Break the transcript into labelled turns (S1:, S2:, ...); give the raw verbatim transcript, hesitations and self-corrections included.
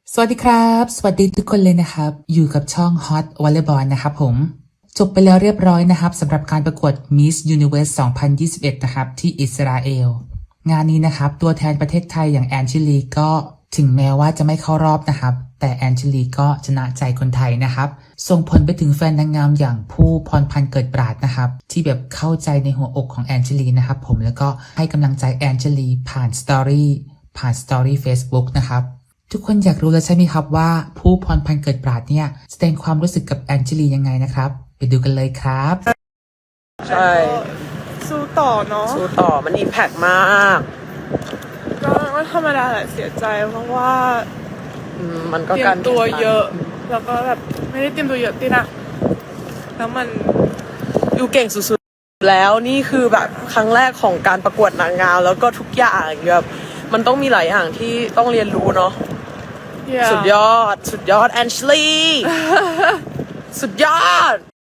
S1: สวัสดีครับสวัสดีทุกคนเลยนะครับอยู่กับช่อง Hot Volleyball นะครับผมจบไปแล้วเรียบร้อยนะครับสำหรับการประกวด Miss Universe สองพันยี่สิบเอ็ดนะครับที่อิสราเอลงานนี้นะครับตัวแทนประเทศไทยอย่างแอนชิลีก็ถึงแม้ว่าจะไม่เข้ารอบนะครับแต่แอนชิลีก็ชนะใจคนไทยนะครับส่งผลไปถึงแฟนนางงามอย่างผู้พรพันธ์เกิดปราดนะครับที่แบบเข้าใจในหัวอกของแอนชิลีนะครับผมแล้วก็ให้กำลังใจแอนชิลีผ่านสตอรี่ผ่านสตอรี่ Facebook นะครับทุกคนอยากรู้แล้วใช่ไหมครับว่าผู้พรพันธ์เกิดปราดเนี่ยแสดงความรู้สึกกับแอนชิลียังไงนะครับไปดูกันเลยครับ
S2: ใช่
S3: สู้ต่อเนาะ
S2: สู้ต่อมันอิมแพกมาก
S3: ก็ก็ธรรมดาแหละเสียใจเพราะว่า
S2: อืมมันก็
S3: เตรีย
S2: การ
S3: มตัวเยอะ แล้วก็แบบไม่ได้เตรียมตัวเยอะตินะแล้วมัน
S2: อยู่เก่งสุดๆแล้วนี่คือแบบครั้งแรกของการประกวดนางงามแล้วก็ทุกอย่างแบบมันต้องมีหลายอย่างที่ต้องเรียนรู้เนาะ
S3: yeah.
S2: สุดยอดสุดยอดแอนชลี สุดยอด